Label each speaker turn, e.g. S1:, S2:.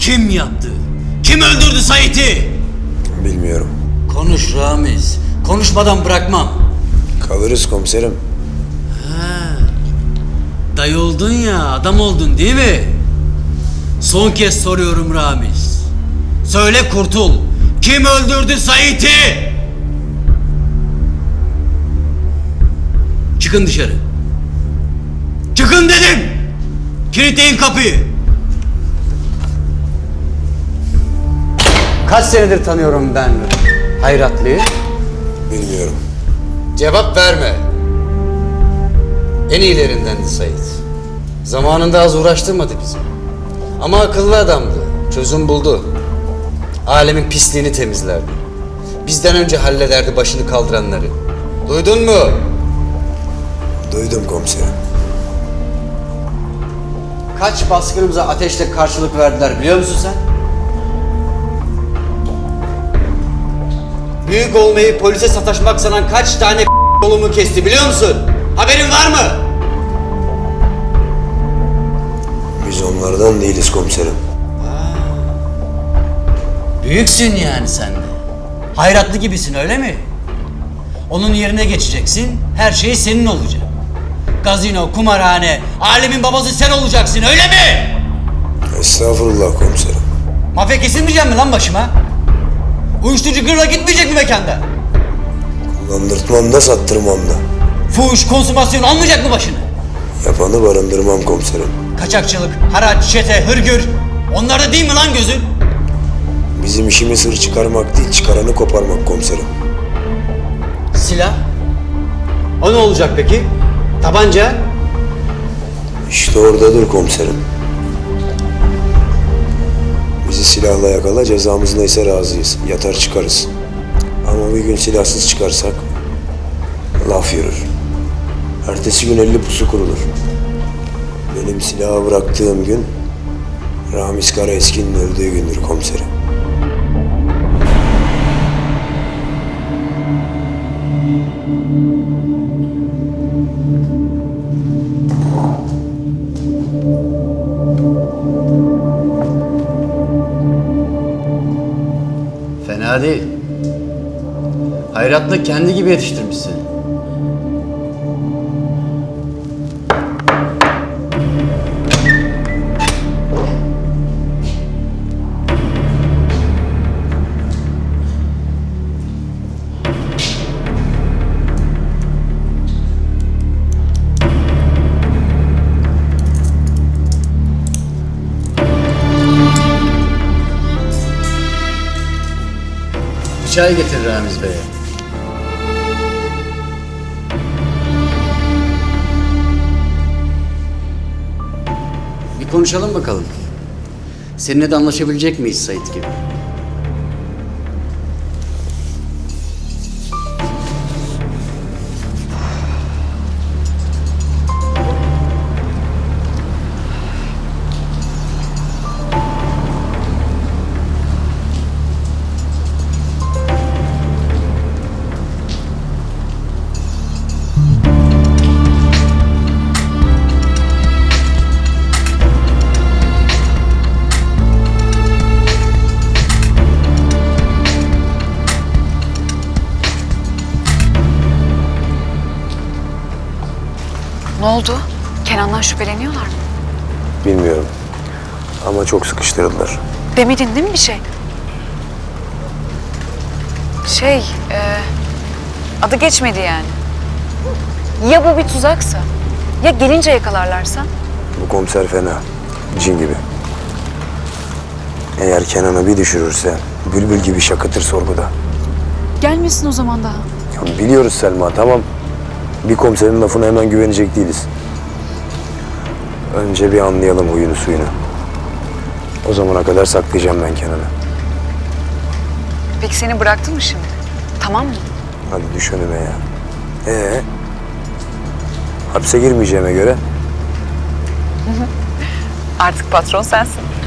S1: Kim yaptı? Kim öldürdü Sait'i?
S2: Bilmiyorum.
S1: Konuş Ramiz. Konuşmadan bırakmam.
S2: Kalırız komiserim.
S1: Dayı oldun ya, adam oldun değil mi? Son kez soruyorum Ramiz. Söyle kurtul. Kim öldürdü Sait'i? Çıkın dışarı. Çıkın dedim. Kilitleyin kapıyı.
S3: Kaç senedir tanıyorum ben Hayratlı'yı?
S2: Bilmiyorum.
S3: Cevap verme. En iyilerindendi Sait. Zamanında az uğraştırmadı bizi. Ama akıllı adamdı. Çözüm buldu. Alemin pisliğini temizlerdi. Bizden önce hallederdi başını kaldıranları. Duydun mu?
S2: Duydum komiserim.
S3: Kaç baskınımıza ateşle karşılık verdiler biliyor musun sen? Büyük olmayı polise sataşmak sanan kaç tane yolumu kesti biliyor musun? Haberin var mı?
S2: Biz onlardan değiliz komiserim.
S1: Büyüksün yani sen de. Hayratlı gibisin öyle mi? Onun yerine geçeceksin, her şey senin olacak. Gazino, kumarhane, alemin babası sen olacaksın öyle mi?
S2: Estağfurullah komiserim.
S1: Mafya kesilmeyecek mi lan başıma? Uyuşturucu gırla gitmeyecek mi mekanda?
S2: Kullandırtmam da sattırmam da.
S1: Fuhuş, konsumasyon almayacak mı başını?
S2: Yapanı barındırmam komiserim.
S1: Kaçakçılık, haraç, çete, hırgür. Onlar da değil mi lan gözün?
S2: Bizim işimiz hır çıkarmak değil, çıkaranı koparmak komiserim.
S3: Silah? O ne olacak peki? Tabanca?
S2: İşte oradadır komiserim. Bizi silahla yakala, cezamız neyse razıyız. Yatar çıkarız. Ama bir gün silahsız çıkarsak laf yürür. Ertesi gün 50 pusu kurulur. Benim silahı bıraktığım gün Ramiz Karaeski'nin öldüğü gündür komiserim.
S3: Fena değil. Hayratlı kendi gibi yetiştirmişsin. Bir çay getir Ramiz Bey'e. Bir konuşalım bakalım. Seninle de anlaşabilecek miyiz Sait gibi?
S4: Ne oldu? Kenan'dan şüpheleniyorlar mı?
S2: Bilmiyorum. Ama çok sıkıştırdılar.
S4: Demedin değil mi bir şey? Adı geçmedi yani. Ya bu bir tuzaksa? Ya gelince yakalarlarsa?
S2: Bu komiser fena. Cin gibi. Eğer Kenan'ı bir düşürürse bülbül gibi şakıtır sorguda.
S4: Gelmesin o zaman daha.
S2: Ya biliyoruz Selma, tamam. Bir komiserin lafına hemen güvenecek değiliz. Önce bir anlayalım huyunu suyunu. O zamana kadar saklayacağım ben Kenan'ı.
S4: Peki seni bıraktı mı şimdi? Tamam mı?
S2: Hadi düş önüme ya. Hapse girmeyeceğime göre
S4: Artık patron sensin.